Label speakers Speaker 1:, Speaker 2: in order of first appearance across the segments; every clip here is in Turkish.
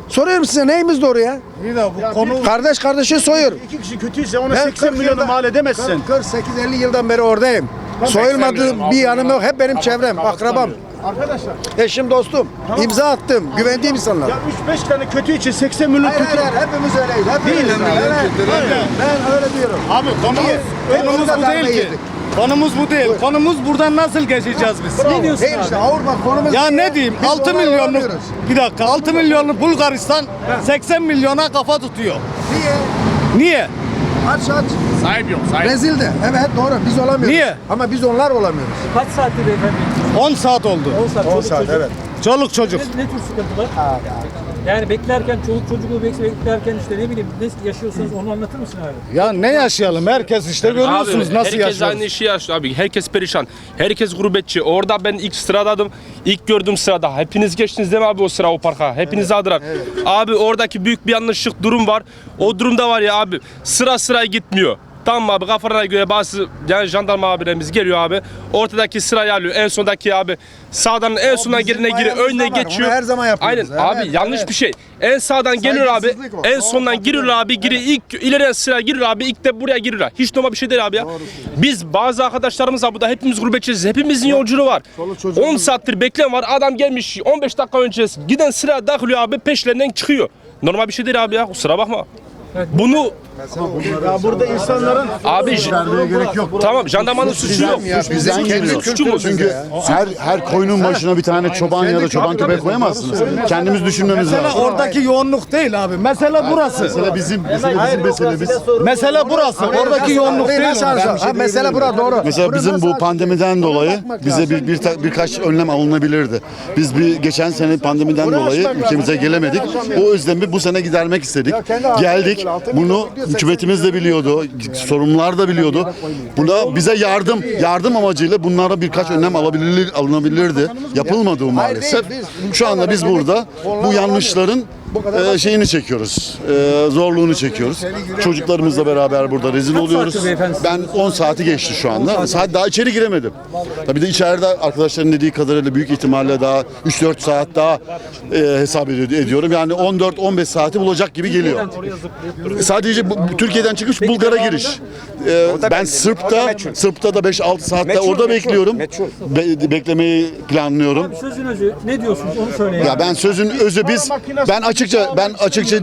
Speaker 1: Soruyorum size, neyimiz doğru ya?
Speaker 2: Bir de bu konu
Speaker 1: Kardeş kardeşi soyuyor.
Speaker 2: iki kişi kötüyse ona
Speaker 1: Ben
Speaker 2: 80
Speaker 1: 40
Speaker 2: milyonu
Speaker 1: yılda-
Speaker 2: mal edemezsin.
Speaker 1: 48-50 yıldan beri oradayım. Soyulmadığım bir yanım yok. Hep benim çevrem, akrabam.
Speaker 2: Arkadaşlar
Speaker 1: Eşim, dostum. İmza attım. Güvendiğim insanlar.
Speaker 2: ya 3-5 tane kötü için 80 milyon
Speaker 1: Hayır,
Speaker 2: kötü.
Speaker 1: hayır, hepimiz öyleyiz. Hepimiz
Speaker 2: Değil mi?
Speaker 1: Evet. Ben öyle diyorum.
Speaker 2: Abi konumuz bu değil ki. Konumuz bu değil. Konumuz buradan nasıl geçeceğiz biz?
Speaker 3: Ne diyorsun
Speaker 1: Değil işte,
Speaker 3: abi?
Speaker 1: Avrupa konumuz.
Speaker 2: Ya ne diyeyim?
Speaker 1: Biz
Speaker 2: 6
Speaker 1: olay
Speaker 2: milyonluk
Speaker 1: olamıyoruz.
Speaker 2: bir dakika 6 milyonluk Bulgaristan 80 milyona kafa tutuyor.
Speaker 1: Niye?
Speaker 2: Niye?
Speaker 1: Aç aç.
Speaker 2: Sahip yok, sahip.
Speaker 1: Rezil de. Evet doğru, biz olamıyoruz.
Speaker 2: Niye?
Speaker 1: Ama biz onlar olamıyoruz.
Speaker 3: Kaç saattir beyefendi?
Speaker 2: 10 saat oldu.
Speaker 3: 10 saat.
Speaker 1: 10
Speaker 3: çoluk
Speaker 1: saat
Speaker 3: çocuk.
Speaker 1: evet.
Speaker 2: Çoluk çocuk.
Speaker 3: Ne tür sıkıntılar? Yani beklerken, çoluk çocuğu beklerken işte ne bileyim ne yaşıyorsunuz onu anlatır mısın abi?
Speaker 2: Ya ne yaşayalım? Herkes işte görüyorsunuz
Speaker 4: Abi,
Speaker 2: nasıl
Speaker 4: herkes
Speaker 2: yaşıyor.
Speaker 4: aynı işi yaşıyor abi. Herkes perişan. Herkes gurbetçi. Orada ben ilk sıradaydım. İlk gördüğüm sırada. Hepiniz geçtiniz değil mi abi o sıra, o parka? Hepiniz aldılar. Abi oradaki büyük bir yanlışlık durum var. O durumda var ya abi, sıra gitmiyor. Tamam abi, kafalarına göre bazı yani jandarma abilerimiz geliyor abi. Ortadaki sırayı alıyor. En sondaki abi sağdan en sondan gelene giriyor. Önüne
Speaker 1: bayramımızda var.
Speaker 4: geçiyor.
Speaker 1: Onu her zaman yapıyoruz.
Speaker 4: Aynen abi,
Speaker 1: Evet,
Speaker 4: yanlış
Speaker 1: evet.
Speaker 4: bir şey. En sağdan geliyor abi.
Speaker 1: Saygısızlık o.
Speaker 4: En
Speaker 1: Doğru,
Speaker 4: sondan giriyor abi. Giriyor ilk ileriye sıra giriyor abi. İlk de buraya giriyor. Hiç normal bir şey değil abi ya. Biz bazı arkadaşlarımız var burada, hepimiz gurbetçiyiz. Hepimizin yolculuğu var. 10 saattir bekleyen var. Adam gelmiş 15 dakika önce giden sıra takılıyor abi, peşlerinden çıkıyor. Normal bir şey değil abi ya. Kusura bakma. Bunu
Speaker 2: Ya burada insanların
Speaker 4: abi
Speaker 5: gerek yok.
Speaker 4: tamam, jandarmanın suçu yok.
Speaker 5: Bizden geliyor.
Speaker 4: Suçu mu?
Speaker 5: Çünkü her koyunun başına bir tane çoban ya da çoban köpek koyamazsınız. Kendimiz düşünmemiz
Speaker 2: mesela
Speaker 5: lazım.
Speaker 2: oradaki yoğunluk değil abi. Mesele burası.
Speaker 5: Mesela bizim meselemiz.
Speaker 2: Mesele burası. Oradaki yoğunluk
Speaker 1: Burayı
Speaker 2: değil.
Speaker 1: nasıl alacağız? Ha, mesele bura doğru.
Speaker 5: Mesela
Speaker 1: Burayı
Speaker 5: bizim
Speaker 1: nasıl
Speaker 5: bu
Speaker 1: alacağız?
Speaker 5: pandemiden dolayı
Speaker 1: bakmak
Speaker 5: bize
Speaker 1: lazım.
Speaker 5: birkaç önlem alınabilirdi. Biz geçen sene pandemiden dolayı ülkemize gelemedik. O özlemi bu sene gidermek istedik. Geldik. Bunu hükümetimiz de biliyordu. Sorumlular da biliyordu. Buna bize yardım amacıyla bunlara birkaç önlem alınabilirdi. Yapılmadı bu maalesef. Şu anda biz burada bu yanlışların şeyini çekiyoruz. Zorluğunu çekiyoruz. Çocuklarımızla beraber burada rezil oluyoruz.
Speaker 3: saattir beyefendi?
Speaker 5: Ben 10 saati geçti şu anda. Saat daha içeri giremedim. Tabii de içeride arkadaşların dediği kadarıyla büyük ihtimalle daha 3-4 saat daha hesap ediyorum. Yani 14-15 saati bulacak gibi geliyor. Sadece Türkiye'den çıkış Bulgar'a giriş. Ben Sırp'ta da 5-6 saatte orada bekliyorum. Beklemeyi planlıyorum.
Speaker 3: Sözün özü ne diyorsunuz onu söyleyin.
Speaker 5: Ya ben sözün özü ben açıkça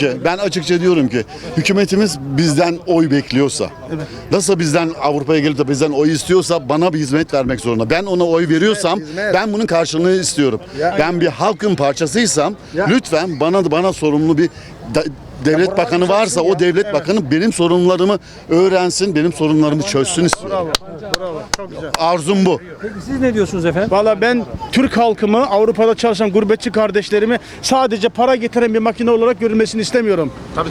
Speaker 5: diyorum ki hükümetimiz bizden oy bekliyorsa, nasıl bizden Avrupa'ya gelip de bizden oy istiyorsa bana bir hizmet vermek zorunda. Ben ona oy veriyorsam ben bunun karşılığını istiyorum. Ben bir halkın parçasıysam lütfen bana sorumlu bir devlet bakanı varsa o devlet bakanı benim sorunlarımı öğrensin, benim sorunlarımı çözsün istiyorum. Arzum bu.
Speaker 3: Peki siz ne diyorsunuz efendim?
Speaker 2: Valla ben Türk halkımı, Avrupa'da çalışan gurbetçi kardeşlerimi sadece para getiren bir makine olarak görülmesini istemiyorum.
Speaker 4: Tabii.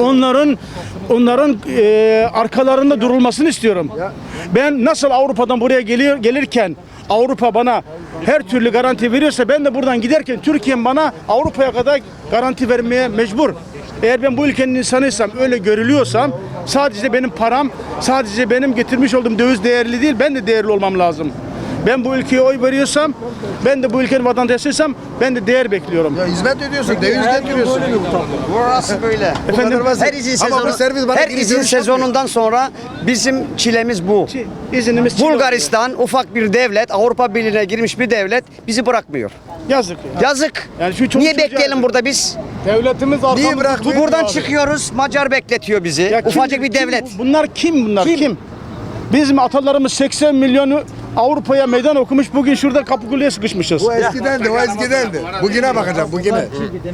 Speaker 2: Onların arkalarında durulmasını istiyorum. Ben nasıl Avrupa'dan buraya gelirken Avrupa bana her türlü garanti veriyorsa ben de buradan giderken Türkiye'm bana Avrupa'ya kadar garanti vermeye mecbur. Eğer ben bu ülkenin insanıysam, öyle görülüyorsam sadece benim param, sadece benim getirmiş olduğum döviz değerli değil, ben de değerli olmam lazım. Ben bu ülkeye oy veriyorsam, ben de bu ülkenin vatandaşıysam ben de değer bekliyorum.
Speaker 1: Ya hizmet ediyorsun, döviz getiriyorsun.
Speaker 6: Burası böyle.
Speaker 2: Efendim,
Speaker 6: Her izin
Speaker 1: Ama bu
Speaker 6: sezonu,
Speaker 1: servis bana
Speaker 6: her
Speaker 1: geri
Speaker 6: izin
Speaker 1: dönüş
Speaker 6: sezonundan sonra bizim çilemiz bu.
Speaker 2: iznimiz
Speaker 6: Bulgaristan ufak bir devlet, Avrupa Birliği'ne girmiş bir devlet bizi bırakmıyor.
Speaker 2: yazık.
Speaker 6: Yazık.
Speaker 2: Yani şu çoluk
Speaker 6: Niye
Speaker 2: çocuğa
Speaker 6: bekleyelim
Speaker 2: yazık.
Speaker 6: burada biz?
Speaker 2: Devletimiz arkamızda
Speaker 1: bırakmıyor?
Speaker 6: Buradan çıkıyoruz, Macar bekletiyor bizi.
Speaker 2: Ya kim-
Speaker 6: Ufacık bir
Speaker 2: kim
Speaker 6: devlet.
Speaker 2: Bunlar kim? Kim? Bizim atalarımız 80 milyonu Avrupa'ya meydan okumuş. Bugün şurada Kapıkule'ye sıkışmışız.
Speaker 1: Bu eskidendi, o eskidendi. Bugüne bakacağım, bugüne.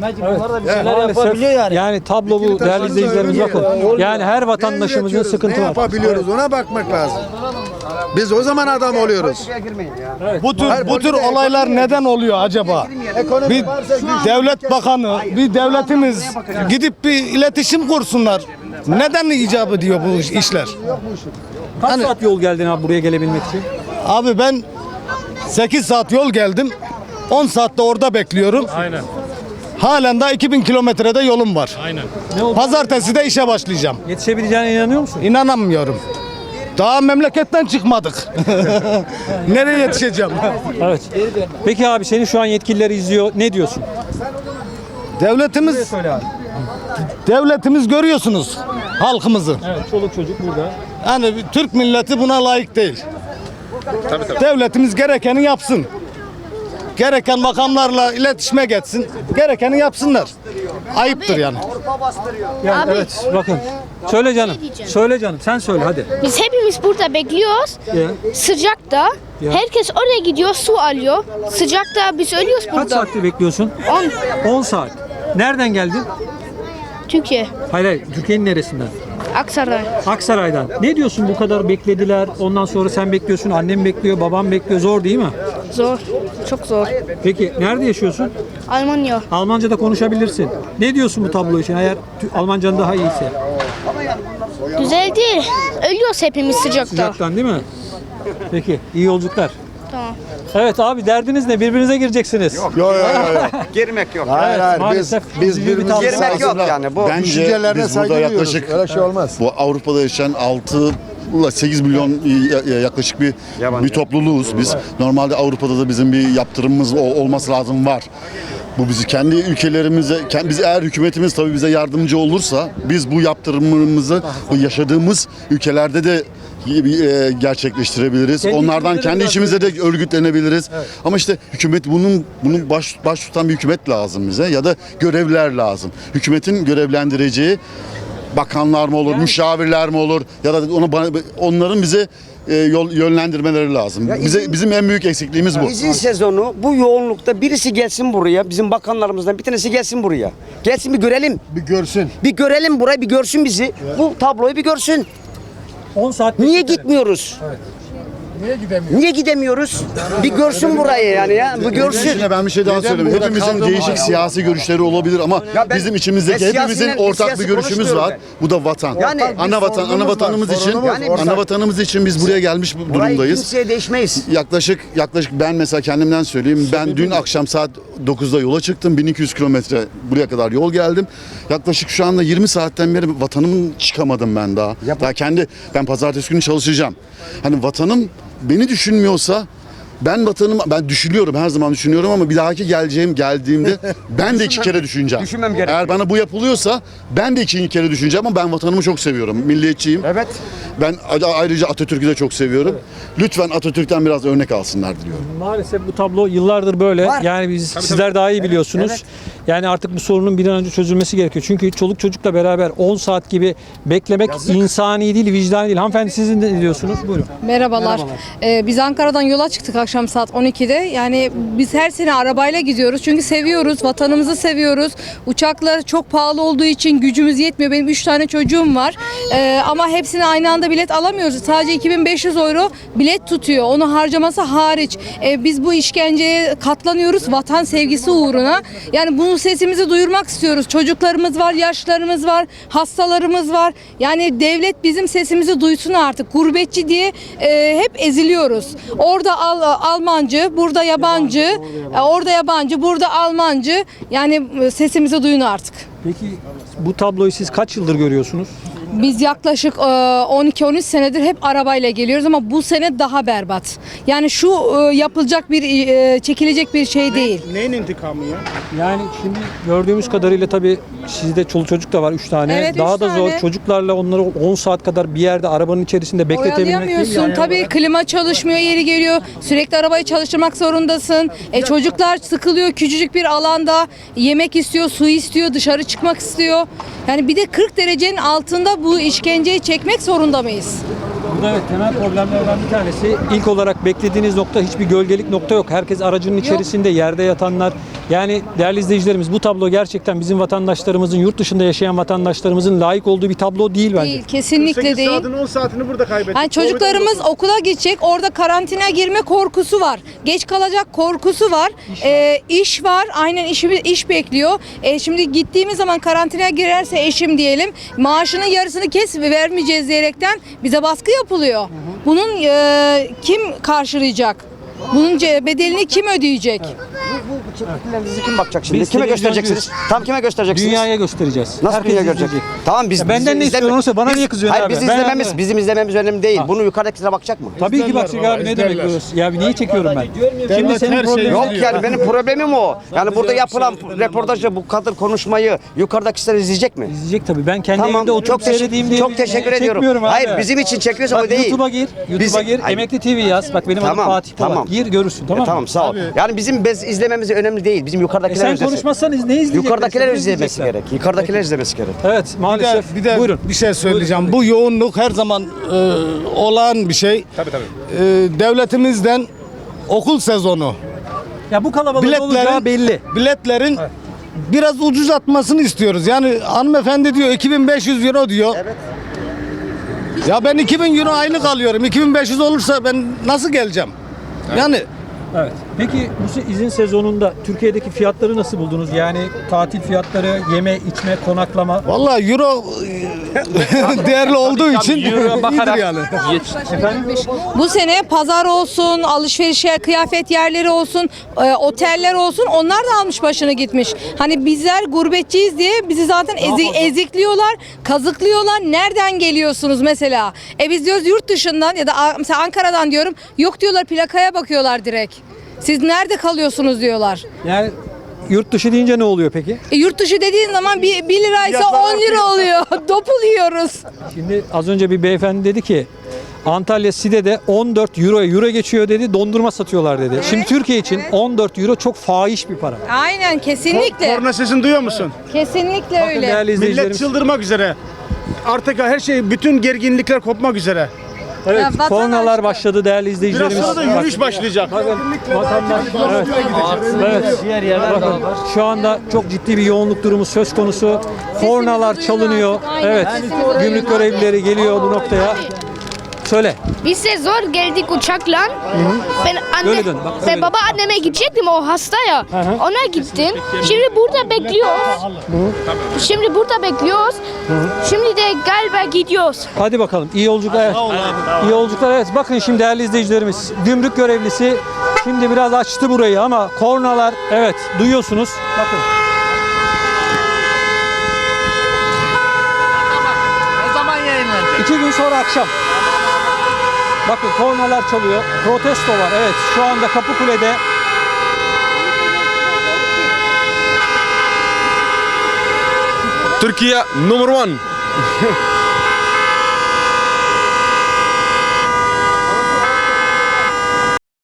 Speaker 3: Yani tablo bu değerli izleyicilerimiz, bakın. Yani her vatandaşımızın sıkıntı
Speaker 1: Ne
Speaker 3: var.
Speaker 1: yapabiliyoruz ona bakmak lazım. Biz o zaman adam oluyoruz.
Speaker 2: Bu tür olaylar neden oluyor acaba? Bir devlet bakanı, bir devletimiz gidip bir iletişim kursunlar. Neden icap ediyor bu işler?
Speaker 3: Kaç saat yol geldin abi buraya gelebilmek için?
Speaker 2: Abi ben 8 saat yol geldim. 10 saatte orada bekliyorum.
Speaker 3: Aynen.
Speaker 2: Halen daha 2000 kilometrede yolum var.
Speaker 3: Aynen. Ne oldu?
Speaker 2: Pazartesi de işe başlayacağım.
Speaker 3: Yetişebileceğine inanıyor musun?
Speaker 2: İnanamıyorum. Daha memleketten çıkmadık. Nereye yetişeceğim?
Speaker 3: Evet. Peki abi seni şu an yetkililer izliyor. Ne diyorsun?
Speaker 7: Devletimiz
Speaker 3: Söyle abi.
Speaker 7: devletimiz görüyorsunuz halkımızı.
Speaker 3: Evet, çoluk çocuk burada.
Speaker 7: Yani Türk milleti buna layık değil. Devletimiz gerekeni yapsın. Gereken makamlarla iletişime geçsin. Gerekeni yapsınlar. Ayıptır yani.
Speaker 3: Yani
Speaker 8: Abi.
Speaker 3: evet, bakın. Söyle canım. Söyle canım. Sen söyle hadi.
Speaker 8: Biz hepimiz burada bekliyoruz.
Speaker 3: Ya.
Speaker 8: Sıcakta.
Speaker 3: Ya.
Speaker 8: Herkes oraya gidiyor, su alıyor. Sıcakta biz ölüyoruz
Speaker 3: Kaç
Speaker 8: burada.
Speaker 3: saatte bekliyorsun? 10 saat. Nereden geldin?
Speaker 8: Türkiye,
Speaker 3: Hayır, Türkiye'nin neresinden?
Speaker 8: Aksaray.
Speaker 3: Aksaray'dan. Ne diyorsun, bu kadar beklediler. Ondan sonra sen bekliyorsun, annem bekliyor, babam bekliyor. Zor değil mi?
Speaker 8: Zor. Çok zor.
Speaker 3: Peki nerede yaşıyorsun?
Speaker 8: Almanya.
Speaker 3: Almanca da konuşabilirsin. Ne diyorsun bu tablo için eğer Almancan daha iyiyse?
Speaker 8: Güzel değil. Ölüyoruz hepimiz sıcakta.
Speaker 3: Sıcaktan değil mi? Peki, iyi yolculuklar.
Speaker 8: Tamam.
Speaker 3: Evet abi, derdiniz ne? Birbirinize gireceksiniz.
Speaker 1: Yok yok yok.
Speaker 6: Girmek yok.
Speaker 1: Hayır hayır
Speaker 3: maalesef
Speaker 1: biz
Speaker 3: üzücü bir
Speaker 1: birbirimize
Speaker 3: tablo.
Speaker 6: Girmek yok yani. Bu
Speaker 5: Bence
Speaker 1: düşüncelerine
Speaker 5: biz
Speaker 1: saygı
Speaker 5: burada
Speaker 1: duyuyoruz.
Speaker 5: yaklaşık
Speaker 1: Öyle şey olmaz.
Speaker 5: bu Avrupa'da yaşayan 6 ile 8 milyon yaklaşık bir topluluğuz biz. Normalde Avrupa'da da bizim bir yaptırımımız olması lazım, var. Bu bizi kendi ülkelerimize, biz eğer hükümetimiz tabii bize yardımcı olursa biz bu yaptırımımızı bu yaşadığımız ülkelerde de gerçekleştirebiliriz.
Speaker 3: Kendi
Speaker 5: Onlardan
Speaker 3: ülkelerinde
Speaker 5: kendi
Speaker 3: biraz
Speaker 5: içimizde de örgütlenebiliriz. Ama işte hükümet bunun baş tutan bir hükümet lazım bize ya da görevliler lazım. Hükümetin görevlendireceği bakanlar mı olur, müşavirler mi olur ya da onların bize yönlendirmeleri lazım. Bizim en büyük eksikliğimiz bu.
Speaker 6: izin sezonu bu yoğunlukta birisi gelsin buraya. Bizim bakanlarımızdan bir tanesi gelsin buraya. Gelsin bir görelim.
Speaker 1: Bir görsün.
Speaker 6: Bir görelim burayı, bir görsün bizi. Bu tabloyu bir görsün.
Speaker 3: 10 saat
Speaker 6: Niye
Speaker 3: beklediler.
Speaker 6: gitmiyoruz? Niye gidemiyoruz? Bir görsün burayı yani ya. Bir görsün.
Speaker 5: Şimdi ben bir şey daha söyleyeyim.
Speaker 1: burada
Speaker 5: Hepimizin
Speaker 1: kaldığımız
Speaker 5: değişik
Speaker 1: var?
Speaker 5: siyasi görüşleri olabilir ama
Speaker 6: Ya ben-
Speaker 5: bizim içimizdeki
Speaker 6: ben
Speaker 5: hepimizin
Speaker 6: siyasi-
Speaker 5: ortak
Speaker 6: siyasi
Speaker 5: bir görüşümüz
Speaker 6: konuşmuyorum
Speaker 5: var. Bu da vatan.
Speaker 6: Yani
Speaker 5: ana vatanımız için, ana vatanımız için biz buraya gelmiş
Speaker 6: Burayı
Speaker 5: durumdayız.
Speaker 6: kimseye değişmeyiz.
Speaker 5: Yaklaşık ben mesela kendimden söyleyeyim. Ben dün akşam saat 9'da yola çıktım. 1200 kilometre buraya kadar yol geldim. Yaklaşık şu anda 20 saatten beri vatanımın çıkamadım ben daha. Ben pazartesi günü çalışacağım. Hani vatanım beni düşünmüyorsa ben düşünüyorum, her zaman düşünüyorum ama bir dahaki geldiğimde ben de 2 kere düşüneceğim.
Speaker 6: Düşünmem gerekiyor.
Speaker 5: Eğer bana bu yapılıyorsa ben de 2 kere düşüneceğim ama ben vatanımı çok seviyorum. Milliyetçiyim.
Speaker 6: Evet.
Speaker 5: Ben ayrıca Atatürk'ü de çok seviyorum. Lütfen Atatürk'ten biraz örnek alsınlar diliyorum.
Speaker 3: Maalesef bu tablo yıllardır böyle.
Speaker 6: Var.
Speaker 3: Yani sizler daha iyi biliyorsunuz.
Speaker 6: Evet.
Speaker 3: Yani artık bu sorunun bir an önce çözülmesi gerekiyor. Çünkü çoluk çocukla beraber 10 saat gibi beklemek insani değil, vicdani değil. Hanımefendi, siz ne diyorsunuz? Buyurun.
Speaker 9: Merhabalar. Biz Ankara'dan yola çıktık akşam saat 12'de. Yani biz her sene arabayla gidiyoruz. Çünkü seviyoruz, vatanımızı seviyoruz. Uçaklar çok pahalı olduğu için gücümüz yetmiyor. Benim 3 tane çocuğum var. Ama hepsine aynı anda bilet alamıyoruz. Sadece 2500 euro bilet tutuyor. Onu harcaması hariç. Biz bu işkenceye katlanıyoruz vatan sevgisi uğruna. Yani bunu sesimizi duyurmak istiyoruz. Çocuklarımız var, yaşlarımız var, hastalarımız var. Yani devlet bizim sesimizi duysun artık. Gurbetçi diye hep eziliyoruz. Orada Almancı, burada yabancı, orada yabancı, burada Almancı. Yani sesimizi duyun artık.
Speaker 3: Peki bu tabloyu siz kaç yıldır görüyorsunuz?
Speaker 9: Biz yaklaşık 12-13 senedir hep arabayla geliyoruz ama bu sene daha berbat. Yani şu yapılacak çekilecek bir şey değil.
Speaker 2: Neyin intikamı ya?
Speaker 3: Yani şimdi gördüğümüz kadarıyla tabii sizde çoluk çocuk da var 3 tane.
Speaker 9: Evet,
Speaker 3: Daha
Speaker 9: üç
Speaker 3: da zor.
Speaker 9: tane.
Speaker 3: Çocuklarla onları 10 saat kadar bir yerde arabanın içerisinde bekletebilmek değil mi?
Speaker 9: Oyalayamıyorsun.
Speaker 3: Yani
Speaker 9: Tabii klima çalışmıyor, yeri geliyor. Sürekli arabayı çalıştırmak zorundasın. Çocuklar sıkılıyor küçücük bir alanda. Yemek istiyor, su istiyor, dışarı çıkmak istiyor. Yani bir de 40 derecenin altında bu işkenceyi çekmek zorunda mıyız?
Speaker 3: Burada evet, temel problemlerden bir tanesi ilk olarak beklediğiniz nokta, hiçbir gölgelik nokta yok. Herkes aracının içerisinde, yerde yatanlar. Yani değerli izleyicilerimiz, bu tablo gerçekten bizim vatandaşlarımızın, yurt dışında yaşayan vatandaşlarımızın layık olduğu bir tablo değil bence.
Speaker 9: Değil, kesinlikle
Speaker 2: 8
Speaker 9: değil.
Speaker 2: saatin 10 saatini burada kaybettik.
Speaker 9: Yani çocuklarımız okula gidecek, orada karantina girme korkusu var. Geç kalacak korkusu var. İş var, aynen iş bekliyor. Şimdi gittiğimiz zaman karantinaya girerse eşim diyelim, maaşının yarısını vermeyeceğiz diyerekten bize baskı yapılıyor. Bunun kim karşılayacak? Bunun bedelini kim ödeyecek?
Speaker 6: Bu çektiklerinizi kim bakacak şimdi?
Speaker 3: Biz
Speaker 6: Kime
Speaker 3: televizyoncu
Speaker 6: göstereceksiniz? Tam kime göstereceksiniz?
Speaker 3: Dünyaya göstereceğiz.
Speaker 6: Nasıl
Speaker 3: Herkes
Speaker 6: dünya görecek?
Speaker 3: izleyecek.
Speaker 6: Tamam biz
Speaker 3: Ya benden
Speaker 6: bizim
Speaker 3: ne istiyorsun olursa bana
Speaker 6: biz-
Speaker 3: niye kızıyorsun
Speaker 6: hayır,
Speaker 3: abi?
Speaker 6: Biz
Speaker 3: Ben-
Speaker 6: izlememiz, bizim izlememiz önemli değil. Bunu yukarıdakilere bakacak mı?
Speaker 3: Tabii ki bakacak abi, ne demek bu? Ya niye çekiyorum ben? Şimdi senin problemin
Speaker 6: Yok yani benim problemim o. Yani burada yapılan röportajı, bu kadar konuşmayı yukarıdakiler izleyecek mi?
Speaker 3: izleyecek tabii. Ben kendi
Speaker 6: Tamam,
Speaker 3: evimde oturup seyredeyim diye
Speaker 6: çok teşekkür ediyorum.
Speaker 3: çekmiyorum abi.
Speaker 6: Hayır, bizim için çekiyorsa
Speaker 3: Bak
Speaker 6: bu değil.
Speaker 3: YouTube'a gir. YouTube'a gir.
Speaker 6: Hayır.
Speaker 3: Emekli TV yaz. Bak benim adım
Speaker 6: Tamam,
Speaker 3: Fatih Polat.
Speaker 6: tamam.
Speaker 3: Gir görürsün, tamam mı?
Speaker 6: Tamam sağ ol. Yani bizim izlememiz önemli değil. Bizim yukarıdakiler
Speaker 3: Sen
Speaker 6: izlesin.
Speaker 3: konuşmazsan ne izleyecekler?
Speaker 6: Yukarıdakiler
Speaker 3: Ne
Speaker 6: izlemesi
Speaker 3: izleyecekler?
Speaker 6: gerek. Yukarıdakiler izlemesi gerek.
Speaker 3: Evet maalesef.
Speaker 7: Bir de
Speaker 3: Buyurun.
Speaker 7: bir şey söyleyeceğim. Bu yoğunluk her zaman olağan bir şey.
Speaker 4: Tabii.
Speaker 7: Devletimizden okul sezonu
Speaker 3: Ya bu kalabalık olacağı belli.
Speaker 7: biletlerin biraz ucuzlatmasını istiyoruz. Yani hanımefendi diyor 2500 euro diyor.
Speaker 6: Evet.
Speaker 7: Ya ben 2000 euro aylık alıyorum. 2500 olursa ben nasıl geleceğim? Yani
Speaker 3: Evet. Peki bu izin sezonunda Türkiye'deki fiyatları nasıl buldunuz? Yani tatil fiyatları, yeme, içme, konaklama.
Speaker 7: vallahi euro değerli olduğu için
Speaker 4: Euro'ya
Speaker 7: iyidir
Speaker 4: bakarak
Speaker 7: yani.
Speaker 9: Bu sene pazar olsun, alışveriş kıyafet yerleri olsun, oteller olsun, onlar da almış başını gitmiş. Hani bizler gurbetçiyiz diye bizi zaten ezikliyorlar, kazıklıyorlar. Nereden geliyorsunuz mesela? Biz diyoruz yurt dışından ya da mesela Ankara'dan diyorum. Yok diyorlar, plakaya bakıyorlar direkt. Siz nerede kalıyorsunuz diyorlar.
Speaker 3: Yani yurt dışı deyince ne oluyor peki?
Speaker 9: Yurt dışı dediğin zaman 1 liraysa 10 lira oluyor. Dopul yiyoruz.
Speaker 3: Şimdi az önce bir beyefendi dedi ki Antalya Side'de 14 euro geçiyor dedi, dondurma satıyorlar dedi. Şimdi Türkiye için 14 euro çok fahiş bir para.
Speaker 9: Aynen, kesinlikle.
Speaker 2: Korna sesini duyuyor musun?
Speaker 9: Kesinlikle
Speaker 3: Bakın
Speaker 9: öyle.
Speaker 3: değerli
Speaker 2: Millet
Speaker 3: izleyicilerimiz.
Speaker 2: çıldırmak üzere. Artık her şey, bütün gerginlikler kopmak üzere.
Speaker 3: Evet,
Speaker 9: Ya vatandaş-
Speaker 3: kornalar başladı değerli
Speaker 2: Biraz
Speaker 3: izleyicilerimiz.
Speaker 2: sonra da yürüyüş başlayacak.
Speaker 3: Bakın vatandaş evet. Bakın şu anda çok ciddi bir yoğunluk durumu söz konusu. Kornalar çalınıyor.
Speaker 9: Aynen.
Speaker 3: Evet.
Speaker 9: Sesimizi
Speaker 3: Gümrük görevlileri geliyor bu noktaya. Söyle.
Speaker 8: Biz de zor geldik uçakla. Ben
Speaker 3: Öyle dön, bak, öyle
Speaker 8: ben
Speaker 3: dön.
Speaker 8: babaanneme gidecektim, o hasta ya.
Speaker 3: hı.
Speaker 8: Ona gittim. Şimdi burada bekliyoruz. Şimdi burada bekliyoruz. Şimdi de galiba gidiyoruz.
Speaker 3: Hadi bakalım. İyi yolculuklar. İyi yolculuklar. Evet. Bakın şimdi değerli izleyicilerimiz. Gümrük görevlisi şimdi biraz açtı burayı ama kornalar evet duyuyorsunuz. Bakın.
Speaker 10: Ne zaman yayınlanacak?
Speaker 3: 2 gün sonra akşam. Bakın kornalar çalıyor. Protesto var. Evet. Şu anda Kapıkule'de
Speaker 4: Türkiye number one.